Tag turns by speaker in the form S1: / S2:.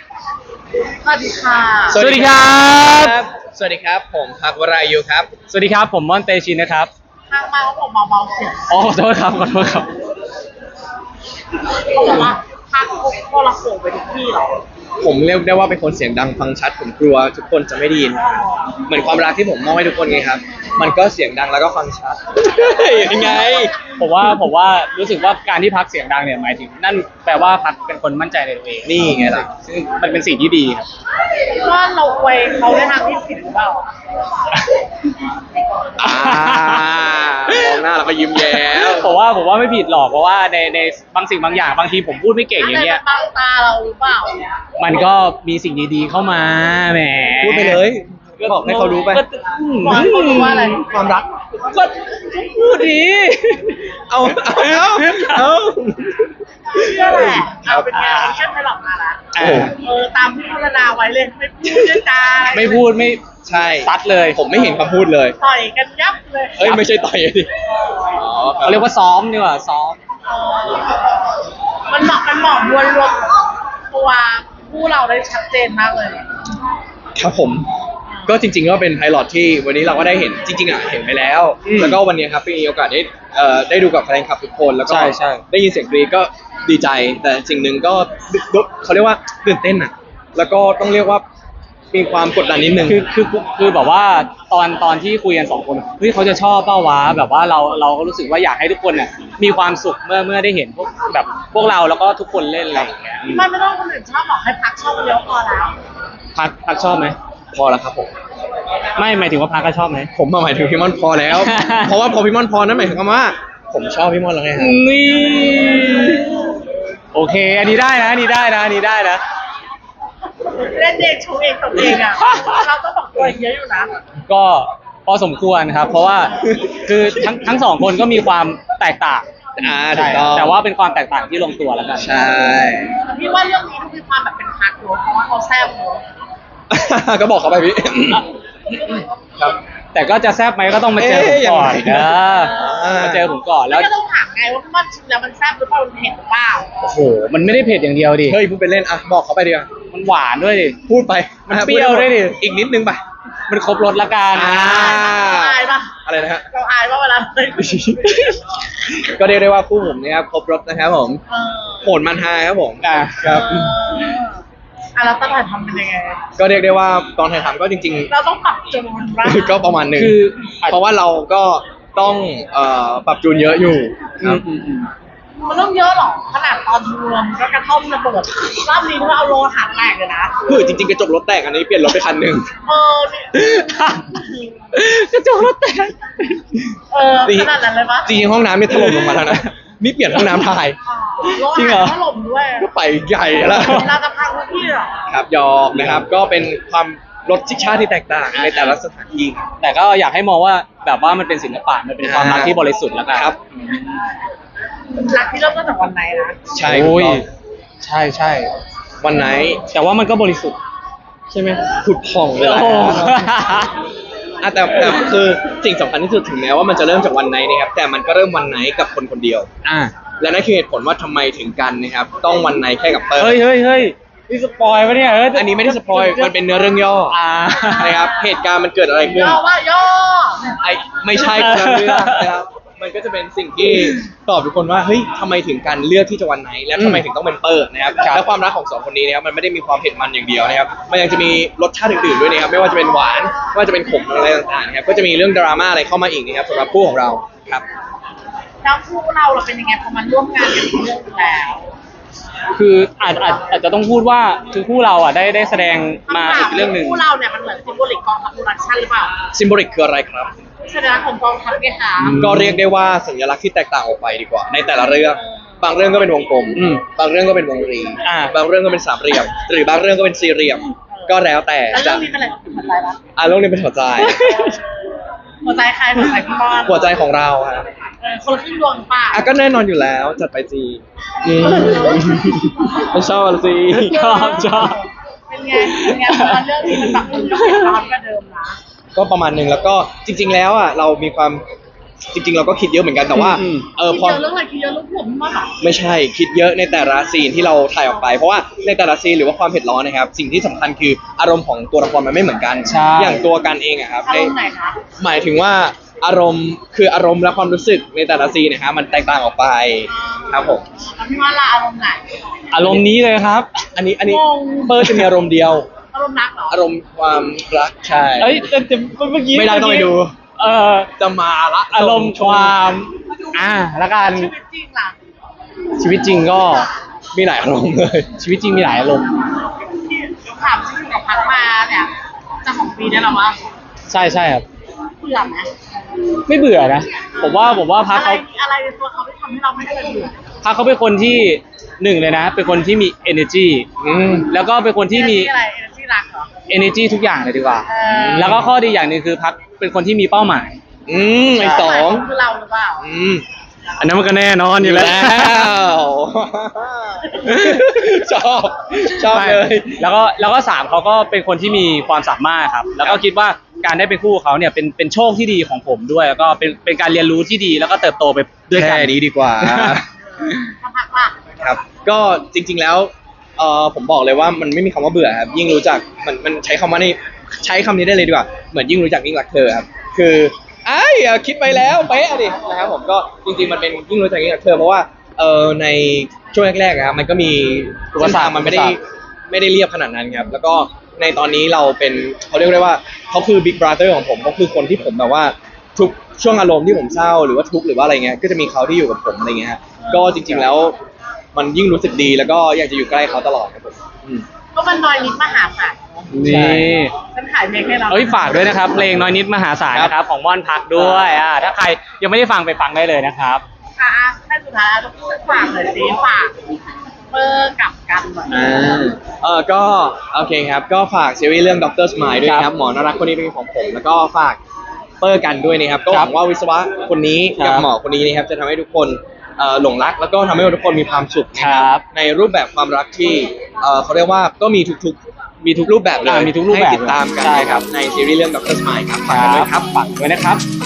S1: สวัสดีค่ะ
S2: สวัสดีครับ
S3: สวัสดีครับผมพักวรายุครับ
S2: สวัสดีครับผมม่อนเตชินนะครับ
S1: ทางมาเขาบอกเบาๆเสียง
S2: อ๋อขอโทษครับขอโทษครับ
S1: เขาบอกว่าพักโทรโขงไปทุกที่เหรอ
S3: ผมเรียกได้ว่าเป็นคนเสียงดังฟังชัดผมกลัวทุกคนจะไม่ได้ยิน เหมือนความรักที่ผมมอบให้ทุกคนไงครับ มันก็เสียงดังแล้วก็ฟังชัด ยังไง
S2: ผมว่ารู้สึกว่าการที่พักเสียงดังเนี่ยหมายถึงนั่นแปลว่าพักเป็นคนมั่นใจในตัวเอง
S3: นี่ไงล่ะ
S2: ซึ่งมันเป็นสิ่งที่ดีครับ
S1: ว่าเราอวยเขาในทางที่ผิดหรือเปล่า
S3: มองหน้าแล้วก็ยิ้มแย้ม
S2: ผมว่าไม่ผิดหรอกเพราะว่าในบางสิ่งบางอย่างบางทีผมพูดไม่เก่งอย่างเงี้ย
S1: บังตาเราหรือเปล่า
S2: มันก็มีสิ่งดีๆเข้ามาแหม
S3: พูดไปเลยบอกให้เขารู้ไป
S2: ก็
S1: บอกให้เขารู้ว่าอะไร
S3: ความรัก
S2: ก็พูดดี
S3: เอา
S1: เชื่อแหละเอาเป็นไงเชื่อไม่หลอกมาละ
S3: โอ้โห
S1: ตามที่พัฒนาไว้เลยไม่พูดเยอะจ้า
S2: ไม่พูดไม่
S3: ใช่
S2: ซัดเลย
S3: ผมไม่เห็นคำพูดเลย
S1: ต่อยกันยับเลย
S3: เอ้ยไม่ใช่ต่อยดิอ๋อคบ
S2: เขาเรียกว่าซ้อมดีกว่าซ้อม
S1: มันเหมาะมวลรวมตัวผู้เราได้ชัดเจนมากเลย
S3: ครับผม ก็จริงๆก็เป็นไพลอตที่วันนี้เราก็ได้เห็นจริงๆอ่ะเห็นไปแล้ว
S2: อืม
S3: แล้วก็วันนี้ครับมีโอกาสได้ดูกับแฟนคลับทุกคนแล้วก็
S2: ใช่
S3: ได้ยินเสียงกรี๊ดก็ดีใจ แต่สิ่งหนึ่งก็เขาเรียกว่าตื่นเต้นอ่ะ แล้วก็ต้องเรียกว่ามีความกดดันนิดนึง
S2: คือแบบว่าตอนที่คุยกันสองคนเฮ้ยเขาจะชอบเป้าวะแบบว่าเราก็รู้สึกว่าอยากให้ทุกคนน่ะมีความสุขเมื่อได้เห็นพวกเราแล้วก็ทุกคนเล่นอะไรอย่างเงี้ย
S1: ไม่ต้องคนอื่นชอบบอกให้พักชอบคนเดียวพอแล้ว
S2: พักชอบไหม
S3: พอแล้วครับผม
S2: ไม่หมายถึงว่าพักก็ชอบไหม
S3: ผมมาหมายถึงพี่ม่อนพอแล้ว เพราะว่าพอพี่ม่อนพอนั่นหมายถึงว่า ผมชอบพี่ม่อนแล้วไงครับ
S2: นี่โอเค อันนี้ได้นะอันนี้ได้นะอันนี้ได้นะ
S1: เล่นเองโชว์เองตบเองอ่ะ เราต้องบอกตัวเยอะอยู่นะ
S2: ก็พอสมควรครับ เพราะว่าคือทั้งสองคนก็มีความแตกต่าง
S3: ถูกต้อง
S2: แต่ว่าเป็นความแตกต่างที่ลงตัวแล้วกัน
S3: ใช่
S1: พี่ว่าเรื่องนี้ต้องมีความแบบเป็นพักเนอะเพราะว่าเขาแซ่บเนอะ
S3: ก็บอกเขาไปพี่ ครับ
S2: แต่ก็จะแซบไหมก็ต้องมาเจอผมก่อน
S3: เอ๊ะยังไง
S2: มาเจอผมก่อนแล้ว
S1: แล้วก็ต้องถามไงว่าพี่ว่าชิมแล้วมันแซ่บหรือเปล่ามันเผ็ดหรือเปล่า
S2: โอ้โหมันไม่ได้เผ็ดอย่างเดียวดิ
S3: เฮ้ยพูดไปเล่นอ่ะบอกเขาไปดีกว่า
S2: มันหวานด้วยดิ
S3: พูดไป
S2: มันเปรี้ยวด้วยดิ
S3: อีกนิดนึงไป
S2: มันครบรสละกัน
S3: อ่า
S1: เราอายปะ
S3: อะไรนะฮะ
S1: เราอายปะเวลาเลย
S3: ก็เรียกได้ว่าคู่ผมนะครับครบรถนะครับผม
S1: เออ
S3: โหดมันฮาครับผม
S2: อ่ะ
S3: ครับ
S1: แล้วตอนถ่ายทำเป็นยังไง
S3: ก็เรียกได้ว่าตอนถ่ายทำก็จริง
S1: เราต้องปรับจูนบ้าง
S3: ๆ ก็ประมาณหนึ่ง
S2: คือ
S3: เพราะว่าเราก็ต้องปรับจูนเยอะอยู่ครับ
S1: มันต้องเยอะหรอขนาดตอนรวมก็กระท่อมระเบิดรอบนี้ก็เอาโลหะแตกเลยนะ
S3: คือจริงๆกระจกรถแตกอันนี้เปลี่ยนรถไปคันหนึ่ง
S1: เออนี่
S2: กระจกรถแตก
S1: ขนาดนั้นเลยปะ
S3: จริงๆห้องน้ำเนี่ยถล่มลงมาแล้วนะนี่เปลี่ยนห้องน้ำถ่าย
S1: โล
S2: จริงเหรอ
S1: หะถล่มด้วย
S3: ก็ไปใหญ่แล้ว
S1: เราจะพังทุกที่เหรอ
S3: ครับยอมนะครับก็เป็นความรสชาติที่แตกต่างในแต่ละสถานที่ครับ
S2: แต่ก็อยากให้มองว่าแบบว่ามันเป็นศิลปะมันเป็นความรักที่บริสุทธิ์แล้วกัน
S3: ครับ
S1: รักที่เริ่มต้นจากวันไหนนะ
S3: ใช่
S2: โอ้ย
S3: ถูกต้อง
S2: ใช่ใช่
S3: วันไหน
S2: แต่ว่ามันก็บริสุทธิ์
S3: ใช่ไหมผุดผ่องเลยแหละ
S2: โอ้
S3: แต่คือสิ่งสำคัญที่สุดถึงแม้ว่ามันจะเริ่มจากวันไหนนะครับแต่มันก็เริ่มวันไหนกับคนคนเดียว
S2: อ่ะ
S3: และนั่นคือเหตุผลว่าทำไมถึงกันนะครับต้องวันไหนแค่กับเตอร์
S2: เฮ้ยนี่สปอยล์ปะเนี่ย
S3: อันนี้ไม่ได้สปอยล์มันเป็นเนื้อเรื่องย่อ
S2: อ่า
S3: นะครับเหตุการณ์มันเกิดอะไรขึ้น
S1: ย่อว่าย่อ
S3: ไอ้ไม่ใช่เนื้อเรื่องนะครับมันก็จะเป็นสิ่งที่ตอบทุกคนว่าเฮ้ยทำไมถึงกันเลือกที่จะวันไหน และทำไมถึงต้องเป็นเปิร์นะครับ
S2: ครับ
S3: และความรักของสองคนนี้นะครับมันไม่ได้มีความเผ็ดมันอย่างเดียวนะครับมันยังจะมีรสชาติอื่นๆด้วยนะครับไม่ว่าจะเป็นหวานไม่ว่าจะเป็นขมอะไรต่างๆนะครับก็จะมีเรื่องดราม่าอะไรเข้ามาอีกนะครับสำหรับคู่ของเราครับ
S1: แล้วคู่เราเป็นยังไงพอมันร่วมงานกันเรื่องแล้ว
S2: คืออาจจะต้องพูดว่าคือคู่เราอ่ะได้แสดงมาอีกเรื่องหนึ่ง
S1: คู่เราเนี่ยมันเหมือนซิมโบลิกกองทัพโปรดักชั่นหรือเปล่า
S3: ซิมโบลิกคืออะไรครับ
S1: สัญลักษณ์ของกองทัพไงคะ
S3: ก็เรียกได้ว่าสัญลักษณ์ที่แตกต่างออกไปดีกว่า ในแต่ละเรื่อง บางเรื่องก็เป็นวงกลม บางเรื่องก็เป็นวงรี
S2: อ่า
S3: บางเรื่องก็เป็นสามเหลี่ยม หรือบางเรื่องก็เป็นสี่เหลี่ยม ก็แล้วแต่
S1: แล้ว
S3: จะ
S1: เรื่องนี้เป็นอะไรเป็นหัวใจปะ
S3: เรื่องนี้เป็นหัวใจ
S1: หัวใจใครหัวใจพี่บอล
S3: หัวใจของเราครับ
S1: คนละครึ่งดวงป่ะ
S3: ก็แน่นอนอยู่แล้วจัดไปจีไม่ชอบสิ
S2: ชอบ
S1: เป็นไงพอเรื่องนี้มันแบบมันก็เป็นร้อนกว่าเดิมนะ
S3: ก็ประมาณหนึ่งแล้วก็จริง ๆ แล้วอ่ะเรามีความจริงๆเราก็คิดเยอะเหมือนกันแต่ว่า
S2: อืม
S1: คิด
S3: พอ
S1: เยอะเรื่องอะไรคิดเยอะเรื่องผมมาก
S3: ไม่ใช่คิดเยอะในแต่ละซีนที่เราถ่ายออกไป เพราะว่าในแต่ละซีนหรือว่าความเผ็ดร้อนนะครับสิ่งที่สำคัญคืออารมณ์ของตัวละครมันไม่เหมือนกัน
S2: ใช่
S3: อย่างตัวกันเองอะครับ
S1: อารมณ์ไหนคะ
S3: หมายถึงว่าอารมณ์คืออารมณ์และความรู้สึกในแต่ละซีนนะครับมันแตกต่างออกไปครับผม
S1: แล้วพี่ว่าละอารมณ์ไหน
S2: อารมณ์นี้เลยครับ
S3: อันนี้
S1: งง
S3: เปิร์จะมีอารมณ์เดียว
S1: อารมณ์รักเหรอ
S3: อารมณ์ความรักใช่
S2: เอ้ยแต่เมื่อกี้
S3: ไม่ได้ต้องไปดู
S2: เออ
S3: จะมาละ
S2: อารมณ์ความแล้วกัน
S1: ชีวิตจริงล่ะ
S2: ชีวิตจริงก็
S3: มีหลายอารมณ์เลย
S2: ชีวิตจริงมีหลายอารมณ์
S1: ถามที่อยู่กับพักมาเนี่ยจะของปีได้หรอวะ
S2: ใช่ใช่ครับ
S1: เบื่อไหม
S2: ไม่เบื่อนะ ผมว่าพัก
S1: อะไร
S2: เขา
S1: อะไรในตัวเขาที่ทำให้เราไม่เคยเบื่อ
S2: พักเขาเป็นคนที่หนึ่งเลยนะ เป็นคนที่มี energy แล้วก็เป็นคนที่มี
S1: อะไรที่รักเหรอ
S2: energy ทุกอย่างเลยดีกว่า
S1: เออ
S2: แล้วก็ข้อดีอย่างหนึ่งคือพักเป็นคนที่มีเป้าหมาย
S3: ไอสอง
S1: คือเราหรือเปล่า
S2: อันนั้นมันก็แน่นอนอยู่แล้ว
S3: ชอบชอบเลย
S2: แล้วก็สามเขาก็เป็นคนที่มีความสามารถครับ แล้วก็คิดว่าการได้เป็นคู่กับเขาเนี่ยเป็นโชคที่ดีของผมด้วย แล้วก็เป็นการเรียนรู้ที่ดีแล้วก็เติบโตไปด้วยกัน
S3: แค่นี้ดีกว่า
S1: ถ้าพักล่ะ
S3: ครับ ก็จริงๆแล้วผมบอกเลยว่ามันไม่มีคำว่าเบื่อครับ ยิ่งรู้จักมันใช้คำว่าใช้คำนี้ได้เลยดีกว่า เหมือนยิ่งรู้จักยิ่งรักเธอครับ คือคิดไปแล้วเป๊ะดินะครับผมก็จริงๆมันเป็นยิ่งรู้จักยิ่งรักเธอเพราะว่าในช่วงแรกๆครับมันก็มีอุปสรรคมันไม่ได้เรียบขนาดนั้นครับ แล้วก็ในตอนนี้เราเป็นเขาเรียกได้ว่าเขาคือบิ๊กบราเธอร์ของผมเขาคือคนที่ผมแบบว่าทุกช่วงอารมณ์ที่ผมเศร้าหรือว่าทุกข์หรือว่าอะไรเงี้ยก็จะมีเขาที่อยู่กับผมอะไรเงี้ยฮะก็จริง ๆแล้ว มันยิ่งรู้สึกดีแล้วก็อยากจะอยู่ใกล้เขาตลอดครับผม
S1: ก็มันน้อยนิดมหาศาล
S2: นี่
S1: ฉันขายเพลงให้เรา
S2: เอ้ยฝากด้วยนะครับ เพลงน้อยนิดมหาศาลนะครับของม่อนพักด้วยถ้าใครยังไม่ได้ฟังไปฟังได้เลยนะครับ
S1: ค่ะให้สุดท้ายเราพูดฝากเลยสิฝากเบอร์กับกันหน่อย
S3: ก็โอเคครับก็ฝากซีรีส์เรื่อง Dr. Smile ด้วยนะครับหมอน่ารักคนนี้เป็นของผม แล้วก็ฝากเปอร์กันด้วยนะครับก็หวังว่าวิศวะคนนี้กับหมอคนนี้นะครับจะทำให้ทุกคนหลงรักแล้วก็ทำให้ทุกคนมีความสุขนะครับในรูปแบบความรักที่เขาเรียกว่าก็มีทุกรูปแบบเลย
S2: มีทุกรูปแบบ
S3: ให้ติดตามกันนะครับในซีรีส์เรื่อง Dr. Smile ครับฝากกันด้วยครับ
S2: ฝากด้วยนะครับ